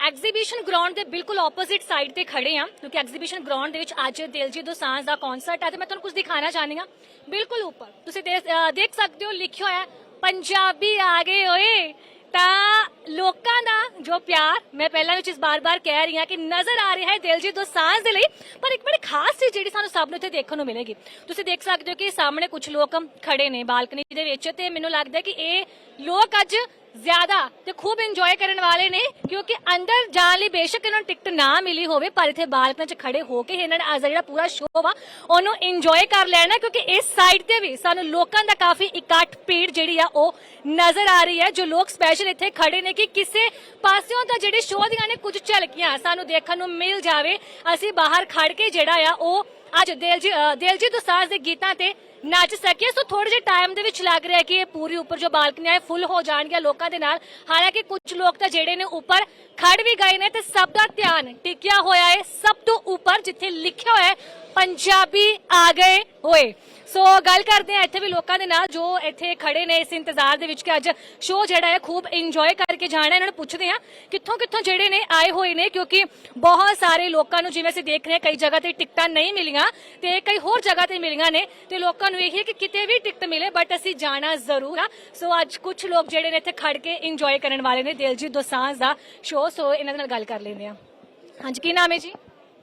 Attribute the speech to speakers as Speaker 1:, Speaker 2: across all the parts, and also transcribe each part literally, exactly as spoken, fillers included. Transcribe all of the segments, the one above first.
Speaker 1: Exhibition ground ਦੇ ਬਿਲਕੁਲ opposite side ਤੇ ਖੜੇ ਆ ਕਿਉਂਕਿ ਐਗਜ਼ੀਬਿਸ਼ਨ ਗਰਾਊਂਡ ਦੇ ਵਿੱਚ ਅੱਜ ਦਿਲਜੀਤ ਦੋਸਾਂਝ ਦਾ ਕਨਸਰਟ ਹੈ ਤੇ ਮੈਂ ਤੁਹਾਨੂੰ ਕੁਝ ਦਿਖਾਣਾ ਚਾਹਨੀ ਹਾਂ। ਬਿਲਕੁਲ ਉੱਪਰ ਤੁਸੀਂ ਦੇਖ ਅਹ ਦੇਖ ਸਕਦੇ ਹੋ ਲਿਖਿਆ ਹੋਇਆ ਪੰਜਾਬੀ ਆ ਗਏ ਓਏ। ਤਾਂ ਲੋਕਾਂ ਦਾ ਜੋ ਪਿਆਰ ਮੈਂ ਪਹਿਲਾਂ ਵਿੱਚ ਇਸ ਬਾਰ-ਬਾਰ ਕਹਿ ਰਹੀ ਹਾਂ ਕਿ ਨਜ਼ਰ ਆ ਰਿਹਾ ਹੈ ਦਿਲਜੀਤ ਦੋਸਾਂਝ ਦੇ ਲਈ, ਪਰ ਇੱਕ ਬੜੀ ਖਾਸ ਚੀਜ਼ ਜਿਹੜੀ ਸਾਨੂੰ ਸਭ ਨੂੰ ਇੱਥੇ ਦੇਖਣ ਨੂੰ ਮਿਲੇਗੀ। ਤੁਸੀਂ ਦੇਖ ਸਕਦੇ ਹੋ ਕਿ ਸਾਹਮਣੇ ਕੁਝ ਲੋਕ ਖੜੇ ਨੇ ਬਾਲਕਨੀ ਦੇ ਵਿੱਚ ਤੇ ਮੈਨੂੰ ਲੱਗਦਾ ਕਿ ਇਹ ਲੋਕ ਅੱਜ ਜ਼ਿਆਦਾ ਤੇ ਖੂਬ ਇੰਜੋਏ ਕਰਨ ਵਾਲੇ ਨੇ ਕਿਉਂਕਿ ਅੰਦਰ ਜਾਣ ਲਈ ਬੇਸ਼ੱਕ ਇਹਨਾਂ ਨੂੰ ਟਿਕਟ ਨਾ ਮਿਲੀ ਹੋਵੇ ਪਰ ਇੱਥੇ ਬਾਲਕਨੀ 'ਚ ਖੜੇ ਹੋ ਕੇ ਇਹਨਾਂ ਨੇ ਅੱਜ ਦਾ ਜਿਹੜਾ ਪੂਰਾ ਸ਼ੋਅ ਵਾ ਉਹਨੂੰ ਇੰਜੋਏ ਕਰ ਲੈਣਾ ਕਿਉਂਕਿ ਇਸ ਸਾਈਡ ਤੇ ਵੀ ਸਾਨੂੰ ਲੋਕਾਂ ਦਾ ਕਾਫੀ ਇਕੱਠ ਭੀੜ ਜਿਹੜੀ ਆ ਉਹ ਨਜ਼ਰ ਆ ਰਹੀ ਹੈ। ਜੋ ਲੋਕ ਸਪੈਸ਼ਲ ਇੱਥੇ ਖੜੇ ਨੇ ਕਿ ਕਿਸੇ ਪਾਸਿਓਂ ਤਾਂ ਜਿਹੜੇ ਸ਼ੋਅ ਦੀਆਂ ਨੇ ਕੁਝ ਝਲਕੀਆਂ ਸਾਨੂੰ ਦੇਖਣ ਨੂੰ ਮਿਲ ਜਾਵੇ, ਅਸੀਂ ਬਾਹਰ ਖੜ ਕੇ ਜਿਹੜਾ ਆ ਉਹ ਅੱਜ ਦਿਲਜੀਤ ਦਿਲਜੀਤ ਦੋਸਾਂਝ ਦੇ ਗੀਤਾਂ ਤੇ ਨੱਚ ਸਕੇ। ਸੋ ਥੋੜੇ ਜਿਹੇ ਟਾਈਮ ਦੇ ਵਿੱਚ ਲੱਗ ਰਿਹਾ ਕਿ ਇਹ ਪੂਰੀ ਉੱਪਰ ਜੋ ਬਾਲਕਨੀਆਂ ਹੈ ਫੁੱਲ ਹੋ ਜਾਣਗੀਆਂ ਲੋਕਾਂ ਦੇ ਨਾਲ। ਹਾਲਾਂਕਿ ਕੁਝ ਲੋਕ ਤਾਂ ਜਿਹੜੇ ਨੇ ਉੱਪਰ ਖੜ ਵੀ ਗਏ ਨੇ ਤੇ ਸਭ ਦਾ ਧਿਆਨ ਟਿਕਿਆ ਹੋਇਆ ਹੈ ਸਭ ਤੋਂ ਉੱਪਰ ਜਿੱਥੇ ਲਿਖਿਆ ਹੋਇਆ ਹੈ ਪੰਜਾਬੀ ਆ ਗਏ ਹੋਏ। ਸੋ ਗੱਲ ਕਰਦੇ ਆ ਇੱਥੇ ਵੀ ਲੋਕਾਂ ਦੇ ਨਾਲ ਜੋ ਇੱਥੇ ਖੜੇ ਨੇ ਇਸ ਇੰਤਜ਼ਾਰ ਦੇ ਵਿੱਚ ਕਿ ਅੱਜ ਸ਼ੋਅ ਜਿਹੜਾ ਹੈ ਖੂਬ ਇੰਜੋਏ ਕਰਕੇ ਜਾਣਾ। ਇਹਨਾਂ ਨੂੰ ਪੁੱਛਦੇ ਆ ਕਿੱਥੋਂ ਕਿੱਥੋਂ ਜਿਹੜੇ ਨੇ ਆਏ ਹੋਏ ਨੇ ਕਿਉਂਕਿ ਬਹੁਤ ਸਾਰੇ ਲੋਕਾਂ ਨੂੰ ਜਿਵੇਂ ਅਸੀਂ ਦੇਖ ਰਹੇ ਹਾਂ ਕਈ ਜਗ੍ਹਾ ਤੇ ਟਿਕਟਾਂ ਨਹੀਂ ਮਿਲੀਆਂ ਤੇ ਕਈ ਹੋਰ ਜਗ੍ਹਾ ਤੇ ਮਿਲੀਆਂ ਨੇ ਤੇ ਲੋਕਾਂ ਨੂੰ ਇਹ ਹੈ ਕਿ ਕਿਤੇ ਵੀ ਟਿਕਟ ਮਿਲੇ ਬਟ ਅਸੀਂ ਜਾਣਾ ਜ਼ਰੂਰ ਆ। ਸੋ ਅੱਜ ਕੁਝ ਲੋਕ ਜਿਹੜੇ ਨੇ ਇੱਥੇ ਖੜ ਕੇ ਇੰਜੋਏ ਕਰਨ ਵਾਲੇ ਨੇ ਦਿਲਜੀਤ ਦੋਸਾਂਝ ਦਾ ਸ਼ੋਅ। ਸੋ ਇਹਨਾਂ ਦੇ ਨਾਲ ਗੱਲ ਕਰ ਲੈਂਦੇ ਆ। ਹਾਂਜੀ ਕੀ ਨਾਮ ਹੈ ਜੀ?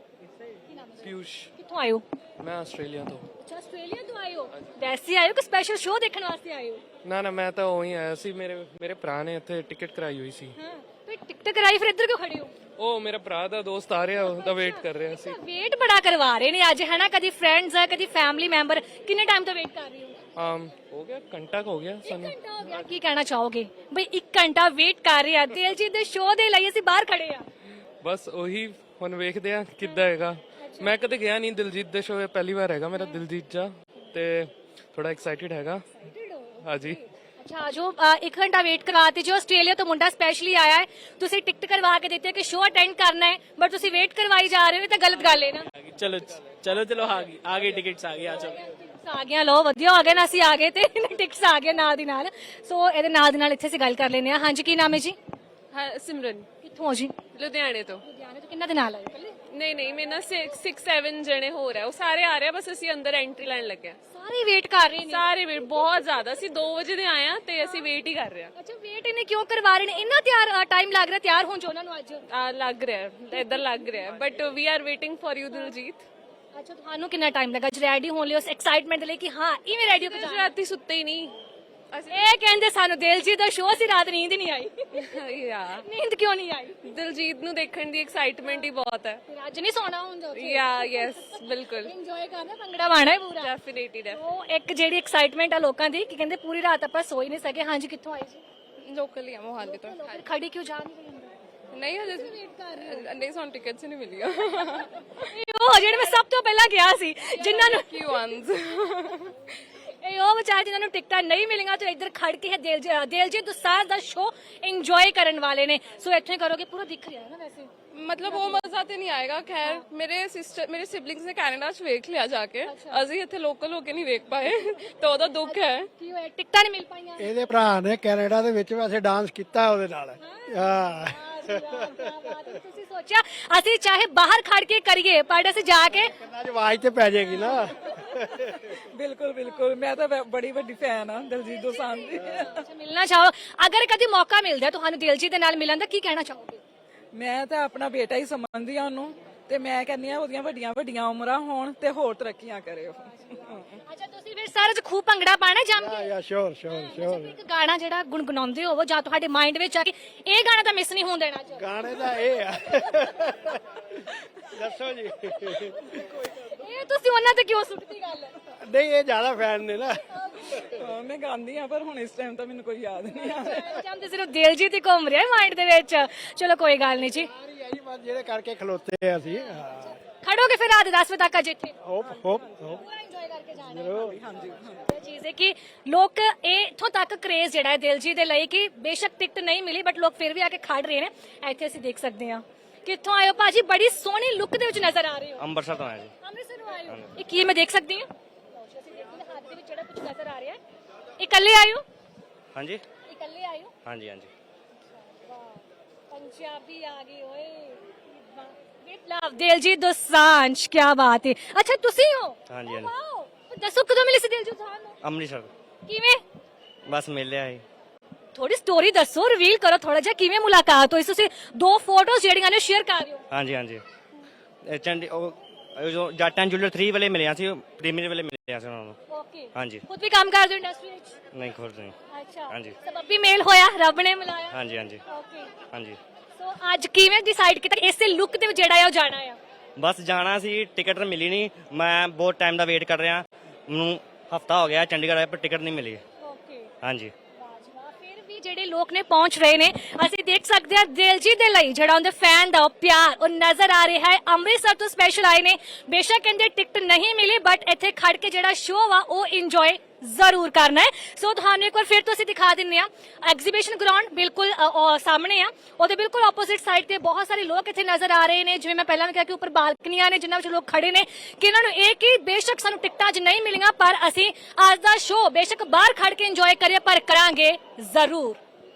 Speaker 2: ਪੀਯੂਸ਼।
Speaker 1: ਕਿੱਥੋਂ ਆਏ ਹੋ?
Speaker 2: ਮੈਂ ਆਸਟ੍ਰੇਲੀਆ ਤੋਂ।
Speaker 1: ਅੱਛਾ ਆਸਟ੍ਰੇਲੀਆ ਤੋਂ ਆਏ ਹੋ? ਵੈਸੇ ਆਏ ਹੋ ਕਿ ਸਪੈਸ਼ਲ ਸ਼ੋਅ ਦੇਖਣ ਵਾਸਤੇ ਆਏ ਹੋ?
Speaker 2: ਨਾ ਨਾ ਮੈਂ ਤਾਂ ਉਹੀ ਆਇਆ ਸੀ, ਮੇਰੇ ਮੇਰੇ ਭਰਾ ਨੇ ਇੱਥੇ ਟਿਕਟ ਕਰਾਈ ਹੋਈ ਸੀ।
Speaker 1: ਹਾਂ ਤੇ ਟਿਕਟ ਕਰਾਈ ਫਿਰ ਇੱਧਰ ਕਿਉਂ ਖੜੇ ਹੋ?
Speaker 2: ਉਹ ਮੇਰਾ ਭਰਾ ਦਾ ਦੋਸਤ ਆ ਰਿਹਾ ਉਹਦਾ ਵੇਟ ਕਰ ਰਿਹਾ ਸੀ।
Speaker 1: ਵੇਟ ਬੜਾ ਕਰਵਾ ਰਹੇ ਨੇ ਅੱਜ ਹੈ ਨਾ, ਕਦੀ ਫਰੈਂਡਸ ਹੈ ਕਦੀ ਫੈਮਿਲੀ ਮੈਂਬਰ। ਕਿੰਨੇ ਟਾਈਮ ਤੋਂ ਵੇਟ ਕਰ ਰਹੇ ਹੋ?
Speaker 2: ਆਮ ਹੋ ਗਿਆ ਘੰਟਾ ਕੁ ਹੋ ਗਿਆ ਸਾਨੂੰ।
Speaker 1: ਘੰਟਾ ਹੋ ਗਿਆ। ਕੀ ਕਹਿਣਾ ਚਾਹੋਗੇ ਬਈ ਇੱਕ ਘੰਟਾ ਵੇਟ ਕਰ ਰਹੇ ਆ ਦਿਲਜੀਤ ਦੇ ਸ਼ੋਅ ਦੇ ਲਈ, ਅਸੀਂ ਬਾਹਰ ਖੜੇ ਆ।
Speaker 2: ਬਸ ਉਹੀ ਹੁਣ ਵੇਖਦੇ ਆ ਕਿੱਦਾਂ ਹੈਗਾ। ਮੈਂ ਕਦੇ ਗਿਆ ਨਹੀਂ ਦਿਲਜੀਤ ਦੇ ਸ਼ੋਅ, ਪਹਿਲੀ ਵਾਰ ਹੈਗਾ ਮੇਰਾ ਦਿਲਜੀਤ ਜਾ ਤੇ ਥੋੜਾ ਐਕਸਾਈਟਿਡ ਹੈਗਾ। ਹਾਂਜੀ
Speaker 1: ਅੱਛਾ ਜੋ ਇੱਕ ਘੰਟਾ ਵੇਟ ਕਰਵਾਤੇ ਜੋ ਆਸਟ੍ਰੇਲੀਆ ਤੋਂ ਮੁੰਡਾ ਸਪੈਸ਼ਲੀ ਆਇਆ ਹੈ, ਤੁਸੀਂ ਟਿਕਟ ਕਰਵਾ ਕੇ ਦਿੱਤੇ ਕਿ ਸ਼ੋਅ ਅਟੈਂਡ ਕਰਨਾ ਹੈ ਬਟ ਤੁਸੀਂ ਵੇਟ ਕਰਵਾਈ ਜਾ ਰਹੇ ਹੋ, ਤਾਂ ਗਲਤ ਗੱਲ ਹੈ ਨਾ।
Speaker 3: ਚਲੋ ਚਲੋ ਚਲੋ ਆ ਗਈ ਆ ਗਈ ਟਿਕਟਸ ਆ ਗਈ ਆ ਜਾਓ।
Speaker 1: ਆ ਗਿਆ ਲੋ ਵਧੀਆ ਹੋ ਗਿਆ ਨਾ, ਅਸੀਂ ਆ ਗਏ ਤੇ ਟਿਕਟਸ ਆ ਗਏ ਨਾਲ ਦੀ ਨਾਲ। ਸੋ ਇਹਦੇ ਨਾਲ ਦੀ ਨਾਲ ਇੱਥੇ ਅਸੀਂ ਗੱਲ ਕਰ ਲੈਂਦੇ ਆ। ਹਾਂਜੀ ਕੀ ਨਾਮ ਹੈ ਜੀ?
Speaker 4: ਹਾਂ ਸਿਮਰਨ,
Speaker 1: ਕਿੱਥੋਂ ਹੋ ਜੀ?
Speaker 4: ਲੁਧਿਆਣੇ ਤੋਂ।
Speaker 1: ਲੁਧਿਆਣੇ ਤੋਂ। ਕਿੰਨਾ ਦੇ ਨਾਲ ਆਏ? ਇਕੱਲੇ?
Speaker 4: ਨਹੀਂ ਨਹੀਂ ਮੇਰੇ ਨਾਲ ਛੇ ਸੱਤ ਜਣੇ ਹੋ ਰਿਹਾ, ਉਹ ਸਾਰੇ ਆ ਰਹੇ ਆ, ਬਸ ਅਸੀਂ ਅੰਦਰ ਐਂਟਰੀ ਲੈਣ ਲੱਗੇ।
Speaker 1: ਸਾਰੇ ਵੇਟ ਕਰ ਰਹੇ ਨੇ?
Speaker 4: ਸਾਰੇ ਵੇਟ ਬਹੁਤ ਜ਼ਿਆਦਾ, ਅਸੀਂ ਦੋ ਵਜੇ ਦੇ ਆਏ ਆ ਤੇ ਅਸੀਂ ਵੇਟ ਹੀ ਕਰ ਰਹੇ ਆ।
Speaker 1: ਅੱਛਾ ਵੇਟ ਇਹਨੇ ਕਿਉਂ ਕਰਵਾ ਰਹੇ ਨੇ? ਇੰਨਾ ਤਿਆਰ ਟਾਈਮ ਲੱਗ ਰਿਹਾ ਤਿਆਰ ਹੋਣ ਚ ਉਹਨਾਂ ਨੂੰ ਅੱਜ?
Speaker 4: ਆ ਲੱਗ ਰਿਹਾ ਇਧਰ ਲੱਗ ਰਿਹਾ, but we are waiting for you Diljit.
Speaker 1: ਅੱਛਾ ਤੁਹਾਨੂੰ ਕਿੰਨਾ ਟਾਈਮ ਲੱਗਾ ਰੈਡੀ ਹੋਣ ਲਈ, ਉਸ ਐਕਸਾਈਟਮੈਂਟ ਦੇ ਲਈ ਕਿ ਹਾਂ ਇਵੇਂ ਰੈਡੀ ਹੋ ਕੇ ਜਾਣਾ?
Speaker 4: ਰਾਤੀ ਸੁੱਤੇ ਹੀ ਨਹੀਂ ਅਸੀਂ।
Speaker 1: ਇਹ ਕਹਿੰਦੇ ਸਾਨੂੰ ਦਿਲਜੀਤ ਦਾ ਸ਼ੋਅ ਸੀ, ਰਾਤ ਨੀਂਦ ਨਹੀਂ ਆਈ।
Speaker 4: ਯਾ
Speaker 1: ਨੀਂਦ ਕਿਉਂ ਨਹੀਂ ਆਈ?
Speaker 4: ਦਿਲਜੀਤ ਨੂੰ ਦੇਖਣ ਦੀ ਐਕਸਾਈਟਮੈਂਟ ਹੀ ਬਹੁਤ ਹੈ।
Speaker 1: ਫਿਰ ਅੱਜ ਨਹੀਂ ਸੌਣਾ ਹੁੰਦਾ?
Speaker 4: ਯਾ ਯੈਸ ਬਿਲਕੁਲ
Speaker 1: ਇੰਜੋਏ ਕਰਨਾ, ਭੰਗੜਾ ਪਾਣਾ ਹੈ ਪੂਰਾ।
Speaker 4: ਡੈਫੀਨਿਟਲੀ ਡੈਫ
Speaker 1: ਉਹ ਇੱਕ ਜਿਹੜੀ ਐਕਸਾਈਟਮੈਂਟ ਆ ਲੋਕਾਂ ਦੀ ਕਿ ਕਹਿੰਦੇ ਪੂਰੀ ਰਾਤ ਆਪਾਂ ਸੋ ਹੀ ਨਹੀਂ ਸਕੇ। ਹਾਂਜੀ ਕਿੱਥੋਂ ਆਏ ਜੀ?
Speaker 4: ਲੋਕਲ ਹੀ ਆ ਮੋਹਾਲੀ ਤੋਂ।
Speaker 1: ਫਿਰ ਖੜੀ ਕਿਉਂ ਜਾ ਨਹੀਂ ਰਹੀ ਅੰਦਰ?
Speaker 4: ਨਹੀਂ ਹਜੇ ਨਹੀਂ ਸਾਨੂੰ ਟਿਕਟਸ ਨਹੀਂ ਮਿਲੀਆਂ।
Speaker 1: ਇਹ ਉਹ ਜਿਹੜੇ ਮੈਂ ਸਭ ਤੋਂ ਪਹਿਲਾਂ ਗਿਆ ਸੀ ਜਿਨ੍ਹਾਂ ਨੂੰ
Speaker 4: ਕੀ ਵਨਸ
Speaker 1: ਇਹ ਉਹ ਵਿਚਾਰੇ ਜਿਨ੍ਹਾਂ ਨੂੰ ਟਿਕਟਾਂ ਨਹੀਂ ਮਿਲੀਆਂ ਤੇ ਇੱਧਰ ਖੜ ਕੇ ਦਿਲਜੀਤ ਦਿਲਜੀਤ ਦੋਸਾਂਝ ਦਾ ਸ਼ੋਅ ਇੰਜੋਏ ਕਰਨ ਵਾਲੇ ਨੇ। ਸੋ ਇੱਥੇ ਕਰੋਗੇ ਪੂਰਾ ਦਿਖ ਰਿਹਾ ਹੈ ਨਾ ਵੈਸੇ।
Speaker 4: मतलब वो मजा तो नहीं आएगा। खैर मेरे सिस्टर मेरे सिबलिंग्स ने कनाडा च वेख लिया जाके, ਅਸੀਂ ਇੱਥੇ ਲੋਕਲ ਹੋ ਕੇ ਨਹੀਂ ਵੇਖ ਪਾਏ ਤਾਂ ਉਹਦਾ ਦੁੱਖ ਹੈ।
Speaker 1: ਕੀ ਹੋਇਆ ਟਿਕਟਾਂ ਨਹੀਂ ਮਿਲ ਪਾਈਆਂ?
Speaker 5: ਇਹਦੇ ਭਰਾ ਨੇ ਕੈਨੇਡਾ ਦੇ ਵਿੱਚ ਵੈਸੇ ਡਾਂਸ ਕੀਤਾ ਉਹਦੇ ਨਾਲ। ਹਾਂ
Speaker 1: ਤੁਸੀਂ ਸੋਚਿਆ ਅਸੀਂ ਚਾਹੇ ਬਾਹਰ ਖੜ ਕੇ ਕਰੀਏ ਪਰ ਅਸੀਂ ਜਾ ਕੇ
Speaker 5: ਕੰਨਾਂ 'ਚ ਆਵਾਜ਼ ਤੇ ਪੈ ਜਾਏਗੀ ਨਾ।
Speaker 6: ਬਿਲਕੁਲ ਬਿਲकुल ਮੈਂ ਤਾਂ ਬੜੀ ਵੱਡੀ ਫੈਨ ਆ ਦਿਲਜੀਤ ਦੋਸਾਂਝ ਦੀ।
Speaker 1: ਮਿਲਣਾ ਚਾਹੋ, ਅਗਰ ਕਦੀ ਮੌਕਾ ਮਿਲਦਾ ਤੁਹਾਨੂੰ ਦਿਲਜੀਤ ਦੇ ਨਾਲ ਮਿਲਣ ਦਾ, ਕੀ ਕਹਿਣਾ ਚਾਹੋਗੇ?
Speaker 6: ਮੈਂ ਤਾਂ ਆਪਣਾ ਬੇਟਾ ਹੀ ਸਮਝਦੀ ਆ ਉਹਨੂੰ ਤੇ ਮੈਂ ਕਹਿੰਦੀ ਆ ਉਹਦੀਆਂ ਵੱਡੀਆਂ ਵੱਡੀਆਂ ਉਮਰਾਂ ਹੋਣ ਤੇ ਹੋਰ ਤਰੱਕੀਆਂ ਕਰੇ ਉਹ।
Speaker 1: ਅੱਛਾ ਤੁਸੀਂ ਫਿਰ ਸਾਰੇ ਚ ਖੂਬ ਭੰਗੜਾ ਪਾਣਾ ਜੰਮ ਕੇ?
Speaker 5: ਯਾ ਸ਼ੋਰ ਸ਼ੋਰ ਸ਼ੋਰ।
Speaker 1: ਇੱਕ ਗਾਣਾ ਜਿਹੜਾ ਗੁੰਗਣਾਉਂਦੇ ਹੋਵੋ ਜਾਂ ਤੁਹਾਡੇ ਮਾਈਂਡ ਵਿੱਚ ਆ ਕਿ ਇਹ ਗਾਣਾ ਤਾਂ ਮਿਸ ਨਹੀਂ ਹੋਣ ਦੇਣਾ ਚਾਹੀਦਾ।
Speaker 5: ਗਾਣੇ ਦਾ ਇਹ ਆ। ਦੱਸੋ ਜੀ।
Speaker 1: ਇਹ ਤੁਸੀਂ ਉਹਨਾਂ ਤੇ ਕਿਉਂ ਸੁੱਟਦੀ ਗੱਲ?
Speaker 5: ਨਹੀਂ ਇਹ ਜ਼ਿਆਦਾ ਫੈਨ ਨੇ ਨਾ।
Speaker 6: ਹਾਂ, ਮੈਂ ਗਾਉਂਦੀ ਆ ਪਰ ਹੁਣ ਇਸ ਟਾਈਮ ਤਾਂ ਮੈਨੂੰ ਕੋਈ ਯਾਦ ਨਹੀਂ ਆ ਰਿਹਾ।
Speaker 1: ਜੰਮ ਤੇ ਸਿਰਫ ਦਿਲਜੀਤ ਹੀ ਘੁੰਮ ਰਿਹਾ ਮਾਈਂਡ ਦੇ ਵਿੱਚ। ਚਲੋ ਕੋਈ ਗੱਲ ਨਹੀਂ ਜੀ,
Speaker 5: ਜਿਹੜੇ ਕਰਕੇ ਖਲੋਤੇ ਆ ਅਸੀਂ।
Speaker 1: ਖੜੋਗੇ ਫਿਰ ਰਾਤ ਦਸ ਵਜੇ ਤੱਕ ਅਜੇ ਇੱਥੇ?
Speaker 5: ਹੋਪ ਹੋਪ ਹੋਪ
Speaker 1: ਪੂਰਾ ਇੰਜੋਏ ਕਰਕੇ ਜਾਣਾ।
Speaker 5: ਜ਼ਰੂਰ।
Speaker 6: ਹਾਂਜੀ
Speaker 1: ਇਹ ਚੀਜ਼ ਹੈ ਕਿ ਲੋਕ ਇਹ ਇੱਥੋਂ ਤੱਕ ਕ੍ਰੇਜ਼ ਜਿਹੜਾ ਹੈ ਦਿਲਜੀਤ ਦੇ ਲਈ ਕਿ ਬੇਸ਼ੱਕ ਟਿਕਟ ਨਹੀਂ ਮਿਲੀ ਬਟ ਲੋਕ ਫਿਰ ਵੀ ਆ ਕੇ ਖੜ ਰਹੇ ਨੇ। ਇੱਥੇ ਅਸੀਂ ਦੇਖ ਸਕਦੇ ਹਾਂ। ਕਿੱਥੋਂ ਆਏ ਹੋ ਭਾਜੀ? ਬੜੀ ਸੋਹਣੀ ਲੁੱਕ ਦੇ ਵਿੱਚ ਨਜ਼ਰ ਆ ਰਹੇ ਹੋ।
Speaker 7: ਅੰਮ੍ਰਿਤਸਰ ਤੋਂ ਆਏ ਜੀ।
Speaker 1: ਅੰਮ੍ਰਿਤਸਰੋਂ ਆਏ ਹੋ? ਇਹ ਕੀ ਮੈਂ ਦੇਖ ਸਕਦੀ ਹਾਂ? ਅਸੀਂ ਦੇਖਦੇ ਹਾਂ ਹੱਥ ਦੇ ਵਿੱਚ ਜਿਹੜਾ ਕੁਝ ਨਜ਼ਰ ਆ ਰਿਹਾ ਹੈ। ਇਕੱਲੇ ਆਏ ਹੋ?
Speaker 7: ਹਾਂਜੀ
Speaker 1: ਇਕੱਲੇ ਆਏ ਹੋ?
Speaker 7: ਹਾਂਜੀ ਹਾਂਜੀ।
Speaker 1: पंजाबी आ गई ओए विद लव दिलजीत दोसांझ क्या बात है अच्छा ਤੁਸੀਂ ਹੋ
Speaker 7: ਹਾਂਜੀ ਹਾਂਜੀ
Speaker 1: ਵਾਓ ਦੱਸੋ ਕਦੋਂ ਮਿਲੇ ਸੀ ਦਿਲਜੀਤ ਦੋਸਾਂਝ ਨੂੰ
Speaker 7: ਅੰਮ੍ਰਿਤਸਰ
Speaker 1: ਕਿਵੇਂ
Speaker 7: ਬਸ ਮਿਲਿਆ ਸੀ
Speaker 1: ਥੋੜੀ ਸਟੋਰੀ ਦੱਸੋ ਰਿਵੀਲ ਕਰੋ ਥੋੜਾ ਜਿਹਾ ਕਿਵੇਂ ਮੁਲਾਕਾਤ ਹੋਈ ਤੁਸੀਂ ਦੋ ਫੋਟੋਜ਼ ਜਿਹੜੀਆਂ ਨੇ ਸ਼ੇਅਰ ਕਰ ਰਹੇ ਹੋ
Speaker 7: ਹਾਂਜੀ ਹਾਂਜੀ ਇਹ ਚੰਡੀ ਉਹ ਉਹ ਜੋ ਜਾਟਾਂ ਜੁਲਰ ਥ੍ਰੀ ਵਾਲੇ ਮਿਲਿਆ ਸੀ ਪ੍ਰੀਮੀਅਰ ਵਾਲੇ ਮਿਲਿਆ ਸੀ ਉਹਨਾਂ ਨੂੰ
Speaker 1: ਓਕੇ
Speaker 7: ਹਾਂਜੀ
Speaker 1: ਖੁਦ ਵੀ ਕੰਮ ਕਰਦੇ ਹੋ ਇੰਡਸਟਰੀ ਵਿੱਚ
Speaker 7: ਨਹੀਂ ਖੁਦ ਨਹੀਂ
Speaker 1: ਅੱਛਾ
Speaker 7: ਹਾਂਜੀ।
Speaker 1: ਸਬੱਬੀ ਮੇਲ ਹੋਇਆ ਰੱਬ ਨੇ ਮਿਲਾਇਆ
Speaker 7: ਹਾਂਜੀ ਹਾਂਜੀ
Speaker 1: ਓਕੇ
Speaker 7: ਹਾਂਜੀ
Speaker 1: ਸੋ ਅੱਜ ਕਿਵੇਂ ਡਿਸਾਈਡ ਕੀਤਾ ਕਿ ਇਸੇ ਲੁੱਕ ਦੇ ਵਿੱਚ ਜਿਹੜਾ ਹੈ ਉਹ ਜਾਣਾ ਆ
Speaker 7: ਬਸ ਜਾਣਾ ਸੀ ਟਿਕਟ ਮਿਲੀ ਨਹੀਂ ਮੈਂ ਬਹੁਤ ਟਾਈਮ ਦਾ ਵੇਟ ਕਰ ਰਿਹਾ ਮੈਨੂੰ ਹਫਤਾ ਹੋ ਗਿਆ ਚੰਡੀਗੜ੍ਹ ਆਇਆ ਪਰ ਟਿਕਟ ਨਹੀਂ ਮਿਲੀ
Speaker 1: ਓਕੇ
Speaker 7: ਹਾਂਜੀ
Speaker 1: ਫਿਰ ਵੀ ਜਿਹੜੇ ਲੋਕ ਨੇ ਪਹੁੰਚ ਰਹੇ ਨੇ ਅਸੀਂ ਦੇਖ ਸਕਦੇ ਹਾਂ ਦਿਲਜੀਤ ਦੇ ਲਈ ਜਿਹੜਾ ਉਹਦੇ ਫੈਨ ਦਾ ਉਹ ਪਿਆਰ ਉਹ ਨਜ਼ਰ ਆ ਰਿਹਾ ਹੈ ਅੰਮ੍ਰਿਤਸਰ ਤੋਂ ਸਪੈਸ਼ਲ ਆਏ ਨੇ ਬੇਸ਼ੱਕ ਕਹਿੰਦੇ ਟਿਕਟ ਨਹੀਂ ਮਿਲੀ ਬਟ ਇੱਥੇ ਖੜ ਕੇ ਜਿਹੜਾ ਸ਼ੋਅ ਆ ਉਹ ਇੰਜੋਏ ਜ਼ਰੂਰ ਕਰਨਾ ਹੈ ਸੋ ਤੁਹਾਨੂੰ ਇੱਕ ਵਾਰ ਫਿਰ ਤੋਂ ਅਸੀਂ ਦਿਖਾ ਦਿੰਨੇ ਆ ਐਗਜ਼ੀਬਿਸ਼ਨ ਗਰਾਊਂਡ ਬਿਲਕੁਲ ਅ, ਅ, ਸਾਹਮਣੇ ਆ ਉਹਦੇ ਬਿਲਕੁਲ ਆਪੋਜ਼ਿਟ ਸਾਈਡ ਤੇ ਬਹੁਤ ਸਾਰੇ ਲੋਕ ਇੱਥੇ ਨਜ਼ਰ ਆ ਰਹੇ ਨੇ ਜਿਵੇਂ ਮੈਂ ਪਹਿਲਾਂ ਵੀ ਕਿਹਾ ਕਿ ਉੱਪਰ ਬਾਲਕਨੀਆਂ ਨੇ ਜਿਨ੍ਹਾਂ ਵਿੱਚ ਲੋਕ ਖੜੇ ਨੇ ਕਿ ਇਹਨਾਂ ਨੂੰ ਇਹ ਕਿ ਬੇਸ਼ੱਕ ਸਾਨੂੰ ਟਿਕਟਾਂ ਅੱਜ ਨਹੀਂ ਮਿਲੀਆਂ ਪਰ ਅਸੀਂ ਅੱਜ ਦਾ ਸ਼ੋਅ ਬੇਸ਼ੱਕ ਬਾਹਰ ਖੜ ਕੇ ਇੰਜੋਏ ਕਰੀਏ ਪਰ ਕਰਾਂਗੇ ਜ਼ਰੂਰ